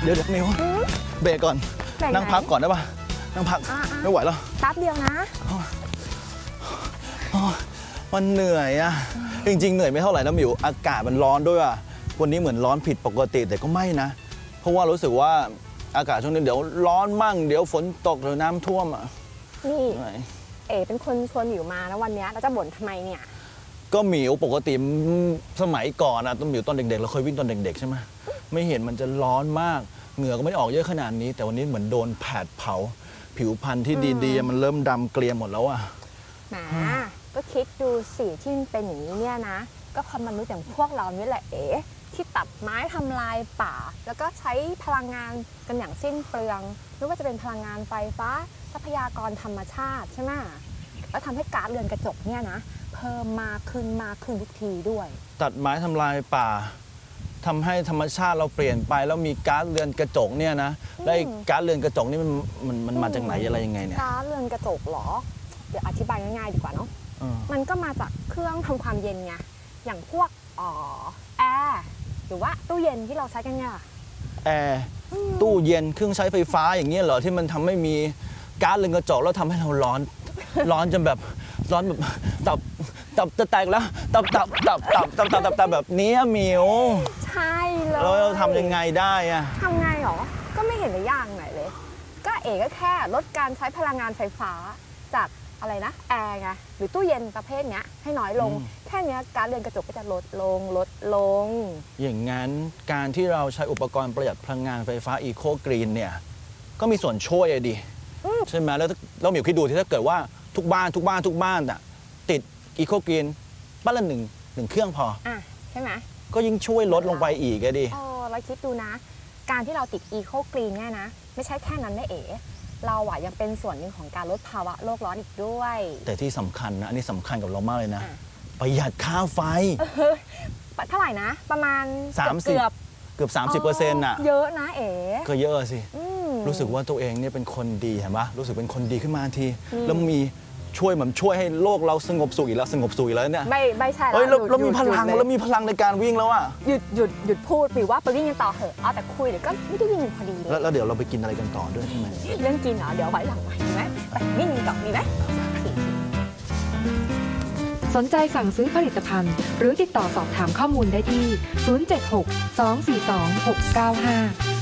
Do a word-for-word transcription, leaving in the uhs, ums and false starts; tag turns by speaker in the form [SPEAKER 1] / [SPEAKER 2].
[SPEAKER 1] เดี๋ยวเดี๋ยวมิวเบรกก่อนนั่งพักก่อนได้ปะนั่งพักไม่ไหวแล้ว
[SPEAKER 2] แป๊บเดียวนะ
[SPEAKER 1] มันเหนื่อยอะจริงๆเหนื่อยไม่เท่าไหร่นะมิวอากาศมันร้อนด้วยอะวันนี้เหมือนร้อนผิดปกติแต่ก็ไม่นะเพราะว่ารู้สึกว่าอากาศช่วงนี้เดี๋ยวร้อนมั่งเดี๋ยวฝนตกหรือน้ำท่วมอะ
[SPEAKER 2] นี่เอ๋เป็นคนชวนหมิวมาแล้ววันนี้เราจะบ่นทำไมเนี่ย
[SPEAKER 1] ก็หมิวปกติสมัยก่อนอะตอนหมิวตอนเด็กๆเราเคยวิ่งตอนเด็กๆใช่ไหมไม่เห็นมันจะร้อนมากเหงื่อก็ไม่ออกเยอะขนาดนี้แต่วันนี้เหมือนโดนแผดเผาผิวพรรณที่ดีๆมันเริ่มดำเกลียมหมดแล้วอะ
[SPEAKER 2] แหมก็คิดดูสิที่มันเป็นอย่างนี้เนี่ยนะก็เพราะมนุษย์อย่างพวกเรานี่แหละเอ๋ที่ตัดไม้ทำลายป่าแล้วก็ใช้พลังงานกันอย่างสิ้นเปลืองไม่ว่าจะเป็นพลังงานไฟฟ้าทรัพยากรธรรมชาติใช่ไหมแล้วทำให้ก๊าซเรือนกระจกเนี่ยนะเพิ่มมากขึ้นมากขึ้นทุกทีด้วย
[SPEAKER 1] ตัดไม้ทำลายป่าทำให้ธรรมชาติเราเปลี่ยนไปแล้วมีก๊าซเรือนกระจกเนี่ยนะแล้วก๊าซเรือนกระจกนี่มันมันมันมาจากไหนอะไรยังไงเนี่ย
[SPEAKER 2] ก๊าซเรือนกระจกเหรอเดี๋ยวอธิบายง่ายๆดีกว่าเนาะมันก็มาจากเครื่องทำความเย็นไงอย่างพวกอ๋อแอร์หรือว่าตู้เย็นที่เราใช้กันเนี่ย
[SPEAKER 1] แอร์ตู้เย็นเครื่องใช้ไฟฟ้าอย่างเงี้ยเหรอที่มันทำให้มีก๊าซเรือนกระจกแล้วทำให้เราร้อนร้อนจนแบบร้อนแบบตับตับจะแตกแล้วตับตับตับตับตับตับตับตับแบบนี้มิว
[SPEAKER 2] ใช่เลย
[SPEAKER 1] แล้วเราทำยังไงได้อะ
[SPEAKER 2] ทำไงหรอก็ไม่เห็นจะยากไหนเลยก็เอ๋ก็แค่ลดการใช้พลังงานไฟฟ้าจากอะไรนะแอร์ไงหรือตู้เย็นประเภทเนี้ยให้น้อยลงแค่นี้ก๊าซเรือนกระจกก็จะลดลงลดลง
[SPEAKER 1] อย่างนั้นการที่เราใช้อุปกรณ์ประหยัดพลังงานไฟฟ้าอีโคกรีนเนี่ยก็มีส่วนช่วยอะดิใช่ไหมแล้วเราหมิวคิดดูที่ถ้าเกิดว่าทุกบ้านทุกบ้านทุกบ้านอะติดอีโคกรีนบ้านละหนึ่งหนึ่งเครื่องพอ
[SPEAKER 2] อ่ะใช่ไหม
[SPEAKER 1] ก็ยิ่งช่วยลดลงไปอีกอะดิ
[SPEAKER 2] อ๋อเราคิดดูนะการที่เราติดอีโคกรีนเนี่ยนะไม่ใช่แค่นั้นนะเอ๋เราอะยังเป็นส่วนหนึ่งของการลดภาวะโลกร้อนอีกด้วย
[SPEAKER 1] แต่ที่สำคัญนะอันนี้สำคัญกับเรามากเลยนะประหยัดค่าไฟ
[SPEAKER 2] เท่าไหร่นะประมาณ
[SPEAKER 1] สามสิบเกือบเกือบสามสิบเปอร์เซ็นต์น่ะ
[SPEAKER 2] เยอะนะเอ๋
[SPEAKER 1] ก็เยอะสิรู้สึกว่าตัวเองเนี่ยเป็นคนดีเห็นปะรู้สึกเป็นคนดีขึ้นมาทีแล้วมีช่วยเหมือนช่วยให้โลกเราสงบสุขอีกแล้วสงบสุขอีกแล้วเนี่ย
[SPEAKER 2] ไม่ไม่ใช่
[SPEAKER 1] แล้วเรามีพลังแล้วมีพลังในการวิ่งแล้วอะ
[SPEAKER 2] หยุดหยุดหยุดพูดหรือว่าไปวิ่งกันต่อเหอะเอาแต่คุยเดี๋ยวก็ไม่ได้วิ่งกันพอดี
[SPEAKER 1] แล้วเดี๋ยวเราไปกินอะไรกันต่อด้วยใช่ไหม
[SPEAKER 2] เรื่องกินเหรอเดี๋ยวไว้หลังไว้ดีไหมไปวิ่งกันต่อดีไหม
[SPEAKER 3] สนใจสั่งซื้อผลิตภัณฑ์หรือติดต่อสอบถามข้อมูลได้ที่ศูนย์ เจ็ด หก สอง สี่ สอง หก เก้า ห้า